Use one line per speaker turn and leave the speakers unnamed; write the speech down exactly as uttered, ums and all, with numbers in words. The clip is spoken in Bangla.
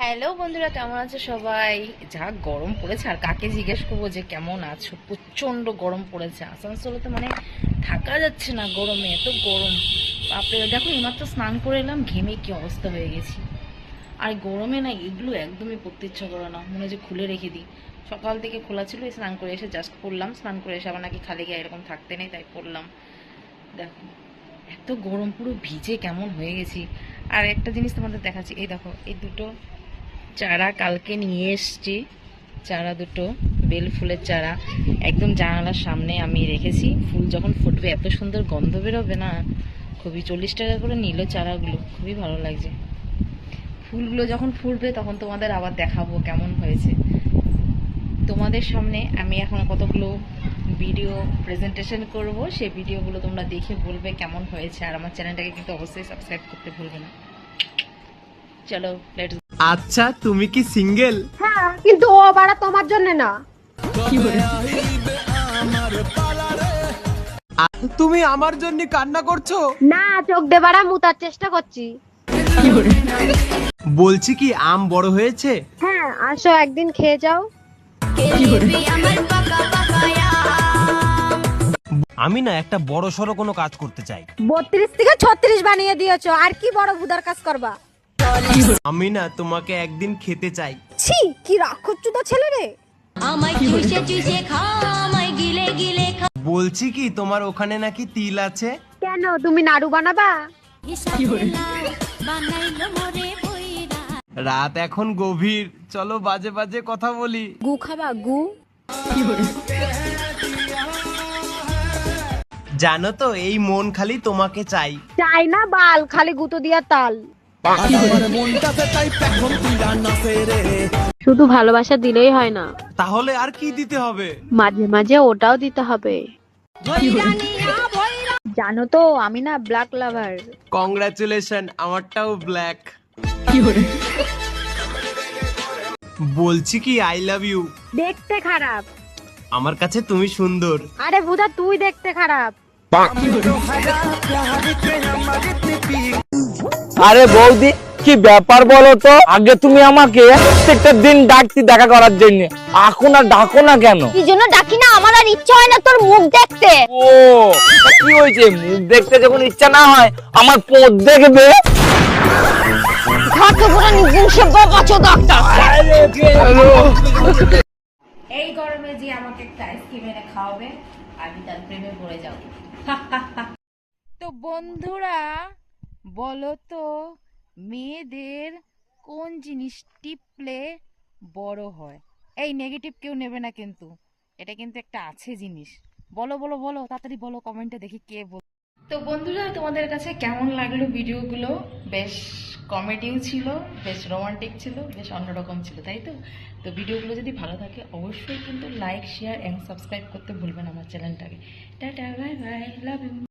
হ্যালো বন্ধুরা, কেমন আছো সবাই? যা গরম পড়েছে, আর কাকে জিজ্ঞেস করবো যে কেমন আছো? প্রচন্ড গরম পড়েছে আসানসোলে, তো মানে থাকা যাচ্ছে না গরমে, এত গরম। বাপরে, দেখো এইমাত্র স্নান করে এলাম, ঘেমে কি অবস্থা হয়ে গেছি। আর গরমে না এগুলো একদমই পরতে ইচ্ছা করে না, মনে হয় যে খুলে রেখে দিই। সকাল থেকে খোলা ছিল, স্নান করে এসে জাস্ট পরলাম, স্নান করে এসে আবার নাকি খালি গায়ে এরকম থাকতে নেই, তাই পরলাম। দেখো এত গরম, পুরো ভিজে কেমন হয়ে গেছি। আর একটা জিনিস তোমাদের দেখাচ্ছি, এই দেখো এই দুটো চারা কালকে নিয়ে এসছি, চারা দুটো বেল ফুলের চারা, একদম জানালার সামনে আমি রেখেছি। ফুল যখন ফুটবে এত সুন্দর গন্ধ বেরোবে না, খুবই। চল্লিশ টাকা করে নিল চারাগুলো, খুবই ভালো লাগছে। ফুলগুলো যখন ফুটবে তখন তোমাদের আবার দেখাবো কেমন হয়েছে। তোমাদের সামনে আমি এখন কতগুলো ভিডিও প্রেজেন্টেশন করব, সেই ভিডিওগুলো তোমরা দেখে বলবে কেমন হয়েছে। আর আমার চ্যানেলটাকে কিন্তু অবশ্যই সাবস্ক্রাইব করতে ভুলবে না। চলো লেটস।
আচ্ছা, তুমি কি সিঙ্গেল?
হ্যাঁ, কিন্তু ও বাড়া তোমার জন্য না।
তুমি আমার জন্য কান্না করছো?
না, চোখ দিয়ে বাড়া মুতার চেষ্টা করছি।
বলছি কি, আম বড় হয়েছে?
হ্যাঁ, আসো একদিন খেয়ে যাও।
আমি না একটা বড় সড়ো কোনো কাজ করতে চাই।
বত্রিশ থেকে ছত্রিশ বানিয়ে দিয়েছো, আর কি বড় ভুদার কাজ করবা?
আমি না তোমাকে একদিন খেতে চাই।
ছি, কি রাক্ষসচুদা ছেলে রে।
বলছি কি, তোমার ওখানে নাকি তিল আছে?
কেন, তুমি নাড়ু বানাবা?
রাত এখন গভীর, চলো বাজে বাজে কথা বলি।
গু খাবা গু?
জানো তো, এই মন খালি তোমাকে চাই।
চাই না বাল, খালি গুতো দিয়া তাল। শুধু ভালোবাসা দিলেই হয় না,
তাহলে আর কি দিতে হবে?
মাঝে মাঝে ওটাও দিতে হবে। জানো তো, আমি না ব্ল্যাক লাভার।
কংগ্রাচুলেশন, আমারটাও ব্ল্যাক। বলছি কি, আই লাভ ইউ।
দেখতে খারাপ।
আমার কাছে তুমি সুন্দর।
আরে ভুদা, তুই দেখতে খারাপ।
আরে বৌদি, কি ব্যাপার বলো তো? আগে তুমি আমাকে প্রত্যেকটা দিন ডাকতি দেখা করার জন্য, এখন আর ডাকো না কেন?
কি জন্য ডাকি না? আমার আর ইচ্ছা হয় না তোর মুখ দেখতে।
ও, কি হয়েছে? মুখ দেখতে যখন ইচ্ছা না হয়, আমার পোদ দেখবে।
ঘাটে পুরো নির্দিষ্ট বাবাচো ডাক্তার।
এই গরমে যে আমাকে একটা আইসক্রিম এনে খাওয়াবে, আমি তার প্রেমে পড়ে যাব। তো বন্ধুরা, বলো তো, মেয়েদের কোন জিনিস টিপলে বড় হয়? এই নেগেটিভ কেউ নেবে না কিন্তু, এটা কিন্তু একটা আছে জিনিস। বলো বলো বলো, তাড়াতাড়ি বলো, কমেন্টে দেখি কে বল। তো বন্ধুরা, তোমাদের কাছে কেমন লাগলো ভিডিওগুলো? বেশ কমেডিও ছিল, বেশ রোমান্টিক ছিল, বেশ অন্যরকম ছিল, তাই তো? তো ভিডিওগুলো যদি ভালো থাকে অবশ্যই কিন্তু লাইক, শেয়ার এন্ড সাবস্ক্রাইব করতে ভুলবেন আমার চ্যানেলটাকে। Tata, bye bye, love you.